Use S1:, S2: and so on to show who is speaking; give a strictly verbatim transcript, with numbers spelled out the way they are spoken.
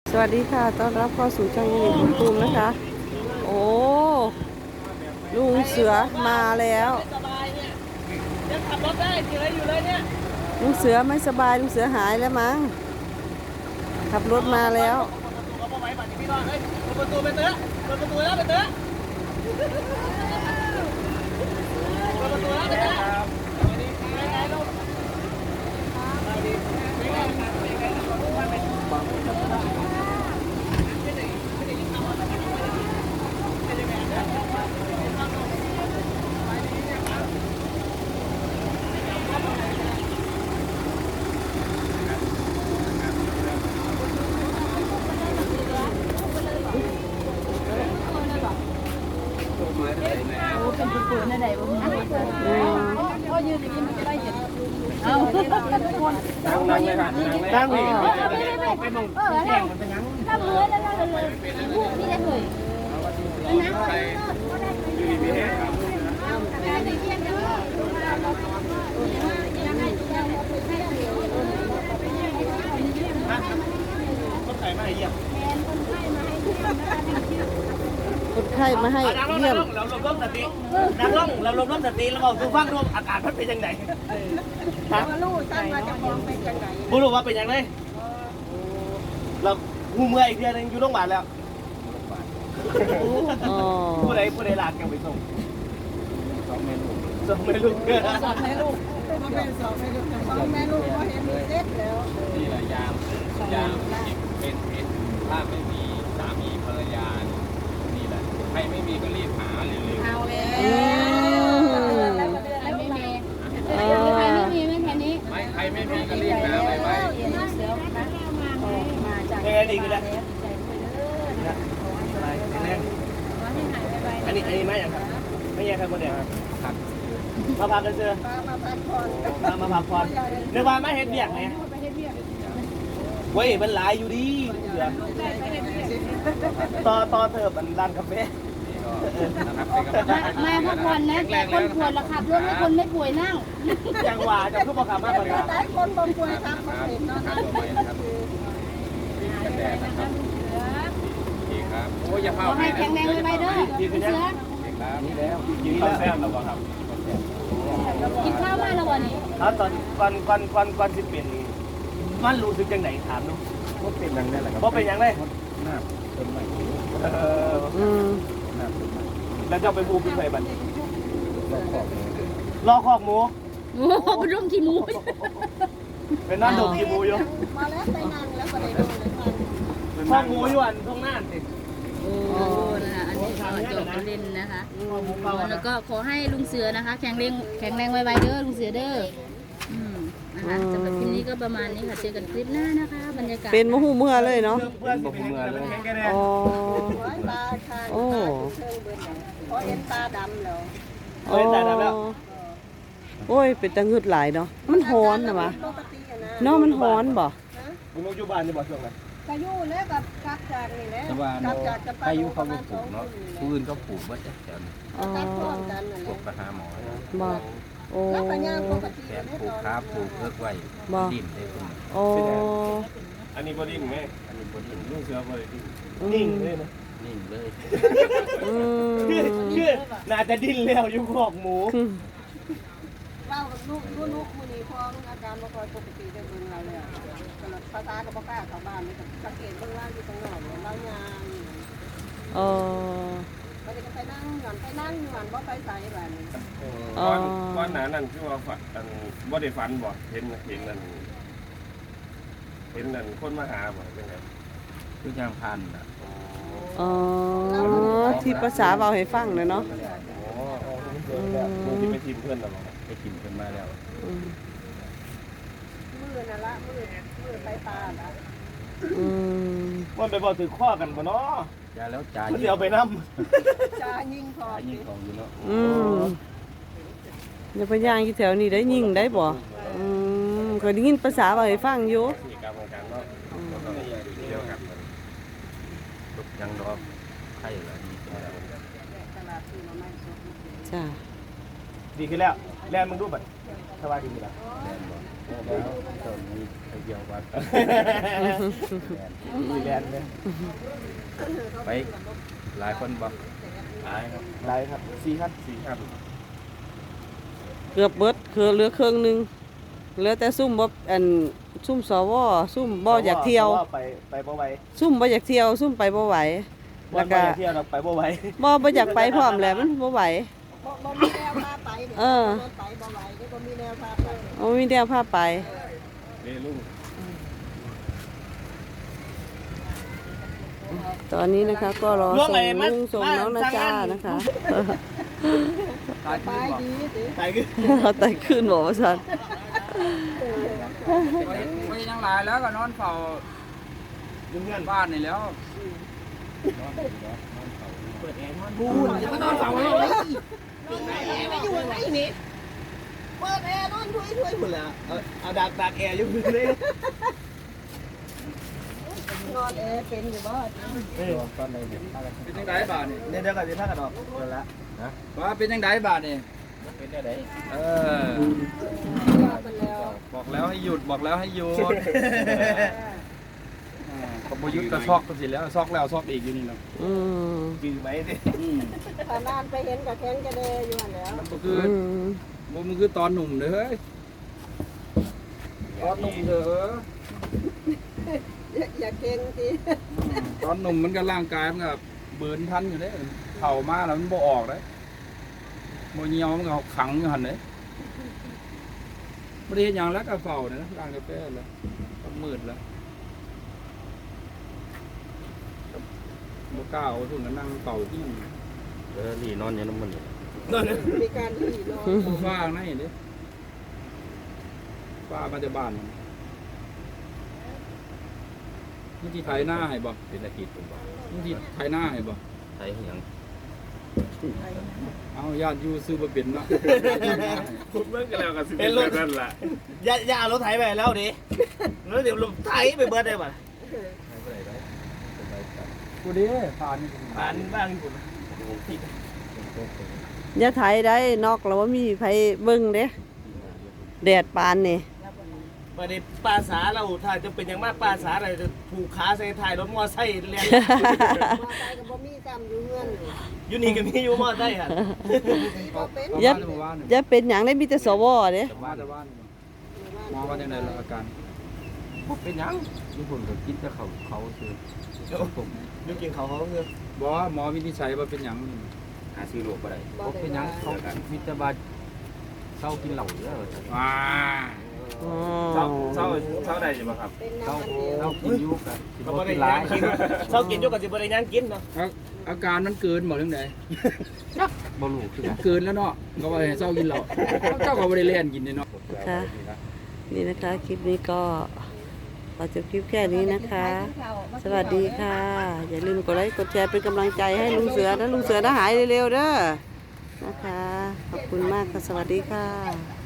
S1: สวัสดีค่ะต้อนรับเข้าสู่ช่องยิงคุณภูมินะคะโอ้ลุงเสือมาแล้ว
S2: สบายเนี่ยยังขับรถได้ขี่อะไรอยู่เลยเนี่ย
S1: ลุงเสือไม่สบายลุงเสือหายแล้วมั้งขับรถมาแล้ว
S2: ประตูเขาบอกไว้บัตรพี่น้องเฮ้ยเปิดประตูไปเตอะเปิดประตูแล้วไปเตอะเปิดประตูแล้วไปเตอะไปไงลูกไปดิไปไงไปไง
S3: เป็นผู้ป่วยในใดบ้างก็ยืนอย่างนี้มันจะได้เห็นเอาทุกคน
S2: นั่งนั่งเลยค่ะนั่งเลยไปมองแจ้งมันเป็นยัง
S3: ถ้าเมื่อแล้วเราเลยพูดนี่ได้เลยนะไป
S2: คนไข้มาให้เยี่ยม
S1: คนไข้มาให้เยี่ยม
S2: เราลมล้มสตินักล่องเราลมล้มสติแล้วบอกดูฟังดูอากาศมันเป็นยังไงฮะ
S3: ลูกตั้งมาจะมองเป็นยังไง
S2: บุรุษว่าเป็นยังไงเราหูเมื่อยอีกเดือนนึงอยู่โรงพยาบาลแล้ว
S1: อ๋อ
S2: ผู้ใดผู้ใดลากยังไปส่งสองเมลูกสองเมลูก
S3: สองแม่ลูกมาเป็นสองแม่ลูกสองแม่ลูกก็เห็นเด็กแล้ว
S4: นี่แหละยามยามเป็นเป็นถ้าไม่มีสามีภรรยานี่แหละใครไม่มีก็รีบหาเร็ว
S3: เอาแล้ว
S1: อืม
S3: ใครไม่มีใครไม่มีไม่แค่นี้
S4: ๆไม่ใครไม่มีก็รีบหาไปไป
S3: มาจาก
S2: ยังไงดีกันแล้วอันนี้อันนี้ไม่ยังครับไม่ยังครับคนเดียวครับมาพักกันเจอ
S3: มาพักผ่อน
S2: มามาพักผ่อนเดี๋ยวว่าไม่เห็นเบียกไงเว้ยมันหลายอยู่ดีเสือต่อต่อเถิบมันร้านกาแฟ
S4: นะครับเป็นกำลังใจให้
S3: มาพักผ่อนนะแต่คนป่วยละขับรถให้คนไม่ป่วยนั่ง
S2: จังหวะจะพูดประคำมากกว่านี้
S3: หลายคนบ่ป่วยครับบ่เห็นเนาะ
S4: ครับตัวใหม่นะครับกันแดดนะครับดีครับโอ้ยอย่า
S3: ข
S4: เผา
S3: อให้แข็งแรงไว้ๆเด้อเสือ
S4: ครับนี่แล้ว
S2: กินข้าวแซ่บแล้วครับ
S3: กินข้าวมาแล้ววันนี้
S2: ครับตอนก่อนก่อนก่อนก่อนสิเป็นมันรู้สึกจังไหนถามดู
S4: ก็เป็นดังนั้นแหละครับ
S2: ว่าเป็นยังไง
S4: หน้าต้นใหม่
S2: เออ
S1: อืม
S4: หน้าต้นใหม่
S2: แล้วจะไปบูเป็นไงบัด
S4: รอบขอบ
S2: รอคอกหมู
S3: โอ้โหเป็นร่มขี้หมู
S2: เป็นนั่นดมกินหมูอยู่
S3: มาแล้วไปนั่งแล้วก็ได้ดูเลยค่ะ
S2: คอกหมูอยู่อันตรงหน้าสิ
S3: โอ้นะคะอันนี้ก็จบประเด็นนะคะแล้วก็ขอให้ลุงเสือนะคะ แข็งแรงแข็งแรงไวๆเด้อลุงเสือเด้ออืมนะคะสำหรับคลิปนี้ก็ประมาณนี้ค่ะเจอกันคลิปหน้านะคะบรรยากาศ
S1: เป็นมะฮูเมื่อเลยเนาะ
S2: เพื่อนสิเป็นยังไงเลยแค่แน่
S1: อ๋อ
S3: ตาค่ะ
S1: โอ้
S3: พอเห็นตาดำแล้ว
S2: เฮ้ยแต่แล้ว
S1: โอ้ยเป็นตะงึดหลายเนาะมันฮ้อนนะวะ
S3: ปกติอะนะ
S1: เนาะมันฮ้อนบ่
S2: มึงอยู่บ้านจะบอกช่วงไหน
S3: กายุแล้วกับกักจากนี่แหละ
S4: แต่ว่า
S3: กักจากจะไป
S4: อายุเขาก็ปลูกเนาะผู้อื่นเขาปลูกว่าจะแถวนี้
S1: อ๋อ
S3: กักพร้อมกันนั่นแห
S4: ปลู
S3: ละ
S4: กไปหาหมอ
S1: บ่โอ้
S3: แล้วปัญญาปกติ
S4: แถมปลูกค้าปลูกเลิกไว้ดินได้คุณ
S1: โอ้
S2: อันนี้บอดิ้งไหม
S4: อันนี้บนดิน
S2: ลูกเสือบอดิ้งนิ่งเลยนะ
S4: นิ่งเลย
S1: อืม
S2: คือคือน่าจะดิ้นแล้วอยู่คอกหมู
S3: เล่ากับลูกลูกลูกมือนี้พออาการมาคอยปกติได้เบิ่งเราเลยอ่ะกำลังภาษากับพ่อกล้าเข้าบ้านนี่ก็สังเกตเบิ่งล่างอยู่ตรงนอกเนี่ยเล่ายาง
S1: เออ
S3: เขาจะไปนั่งหย่อนไปนั่งหย่อนว่าไปใส่แบบนี้
S1: อ๋อ
S5: ก้อนก้อนหนานั่นคือว่าฝันอันบ่ได้ฝันบ่เห็นเห็นนั่นเห็นนั่นคนมาหาบ่เป็นไง
S4: ทุกอย่างพันอ่ะ
S1: อ๋อที่ภาษาเว้าให้ฟังเลยเนาะ
S5: อ๋อมึงที่ไปทีมเพื่อนน่ะบ่
S4: ไปกินกันมาแล้ว
S1: อืม
S3: มือนั่นละมือมือไปตาละ
S1: อืม
S2: มันไปบอกถือข้อกันบ่เนาะ
S4: ยาแล้วจ่าย
S2: มันเดี๋ยวไปนั่ม
S3: จายิงพอ
S4: จ่ายยิ่งของอยู่เนาะ
S1: อืมอย่าไปย่างที่แถวนี้ได้ยิงได้บ่อืมเคยได้ยินภาษาเว้าให้ฟังอยู่
S5: สี่กรรมของการเนาะก็ต้องเที่ยวกันมัน
S4: ยังรอไข่อะไรนี่
S3: ตลาดที่เราไม่สด
S1: จ้า
S2: ดีขึ้นแล้วแลนมึงดูบัดสบายดีแล้ว
S4: แดนบ่
S3: เ
S4: ตอนนี้ไปเกี่ยววัด
S2: มีแลนด์เนี่ย
S4: ไปหลายคนบ่หลายครับ
S2: ได้ครับสี่ขั้น
S4: สี่ครับ
S1: เกือบเบิดคือเหลือเครื่องหนึงเหลือแต่ซุ่มบ่อันซุ่มสวซุ่มบ่อยากเที่ยว
S2: ไปไปบ่ไหว
S1: ซุ่มบ่อยากเที่ยวซุ่มไปบ่ไหว
S2: บ่
S1: แล้ว
S2: บ่
S1: ก็
S2: อยากเที่ยวเราไปบ่ไหว
S1: บ่บ่อยากไปพร้อมแหละมันบ่ไหว
S6: บ่บ่มีแนวพาไปเนี่ย
S1: เออ
S6: รถไปบ่ไหวเดี๋ยวบ่มีแนวพาไป
S1: เอามีแนวพาไป
S4: เด้ลุง
S1: ตอนนี้นะคะก็รอส่งลุงส่งน้องนาจานะคะ
S6: ไปดีสิ
S2: ไปคือ
S1: เราไต่ขึ้นบอกว่าสัน
S7: ไม่ยังหลายแล้วก็นอนเฝ้า
S2: ยุ่งเงิน
S7: บ้านนี่แล้ว
S2: เปิดแอร์นอน
S6: พูดอย่ามานอนเฝ้าเลยนอนแอร์ไม่อยู่ไหนนี่เปิดแอร์นอนถ้วยถ้วย
S2: หมดแล้วเอาเอาดักดักแอร์อยู่พื้นเลย
S6: นอนแอร์เป็นอยู่บ่
S7: เป็นยังไงบ้านนี่
S2: เดี๋ยวเดี๋ยวก่อนจะพากันออกหมดแล้ว
S7: ว่าเป็นยังไงบ้านนี่
S4: เป็นได้ได
S7: เออ
S6: ว่าไปแล้ว
S7: บอกแล้วให้หยุดบอกแล้วให้หยุดอ่าก็บ่หยุดก็ซอกก็สิแล้วซอกแล้วซอกอีกอยู่นี่เนาะ
S1: อืม
S2: ยืมไหมดิ
S7: อืม
S6: ถ้านานไปเห็นกับแข้งจะเดอยู่หั่นแหล้ว
S7: มันก็คือ
S1: อืม
S7: บ่มันคือตอนหนุ่มเด้อเฮ้ยตอนหนุ่มเด้อ
S6: อย่าเก่งสิ
S7: อืมตอนหนุ่มมันก็ร่างกายมันก็เบิร์นทันอยู่เด้เข่ามาแล้วมันบ่ออกเด้บ่เหี่ยวมันก็ขังอยู่หั่นเด้บ่ได้เฮ็ดหยังแล้วก็เฝ้าเด้ล้างกาแฟแล้วก็มืดแล้วบ่กล้าเอาทุ่นก็นั่งเฝ้าที่
S4: เออนี่นอนอยู่น้ำมันนี่
S2: นอน
S6: มีการที่นอน
S7: ฟ้าไหนเด้ฟ้ามาจากบ้านมันที่ไถหน้าให้บ่
S4: เป็นอาทิตย์ผมว่า
S7: มันที่ไถหน้าให้บ่
S4: ใช้หยัง
S7: เอาญาติอยู่ซื้อบ่เป็นเนาะ
S5: คุณเมื่อกันแล้วก็สิ
S2: เป็นรถ
S5: นั่นแหละ
S2: อย่าอย่าเอารถไถไปแล้วดิแล้วเดี๋ยวรถไถไปเบิดได้ป่ะ
S4: ไม่เป็นไรได้เป็นไรครับ
S7: กูเด้ผ่านนี่
S2: บ้านบ้านคุณ
S1: อย่าไถได้นอกแล้วว่ามีไผเบิ่งเด้แดดปานนี่
S2: มาในปลาสาเราถ้าจะเป็นอย่างมากปลาสาเราจะผูกขาใส่ท้ายรถมอไซค์เรียน
S6: มอไซค์ก็บ่มีซ้ำอยู่เฮือนอยู่
S2: อยู่นี่ก็มีอยู่มอไซค์อ่ะ
S6: บ่เป็น
S7: เอา
S1: อย่า
S7: บ้านหมู่บ้านนี่
S1: อย่าเป็นหยังได้มีแต่สวเด้
S7: มาจากบ้านหมอว่าจังได๋ล่ะอาการ
S4: เป็นหยังญี่ปุ่นก็คิดจะเขาเขาคือ
S2: ยุกินเขาเขาคือ
S7: บ่หมอวินิจฉัยว่าเป็นหยัง
S4: หาซื้อโรคบ่ได้
S6: บ่
S4: บ่เป็นหยังเขามีแต่ว่าเศร้ากินเหล้าเยอะ
S7: อ่า
S1: อ๋อ
S5: เช้าเช้าเช้าใดอยู่บ่ครับ
S6: เป็น
S4: เศร้า
S6: น้ำมันเดียว
S4: เศร้ากินอยู่กันสิ
S2: เขา
S4: บ่
S2: บ่ได้
S4: เป็นหลา
S2: ย่าย งกินเช้ากินยุกับสิบ่ได้ย่างกินเนาะ
S7: อาอาการมันเกินบ่จังได๋
S4: บ่รู้คือกัน
S7: เกินแล้วเนาะก็ว่าให้เศร้ากินเหล้าเจ้าก็บ่ได้เล่นกินนี่เนาะ
S1: ค่ะ นี่นะคะ คลิปนี้ก็ขอจบคลิปแค่นี้นะคะ สวัสดีค่ะ อย่าลืมกดไลค์กดแชร์เป็นกำลังใจให้ลุงเสือนะลุงเสือนะหายเร็วๆเด้อนะคะ ขอบคุณมากค่ะ สวัสดีค่ะ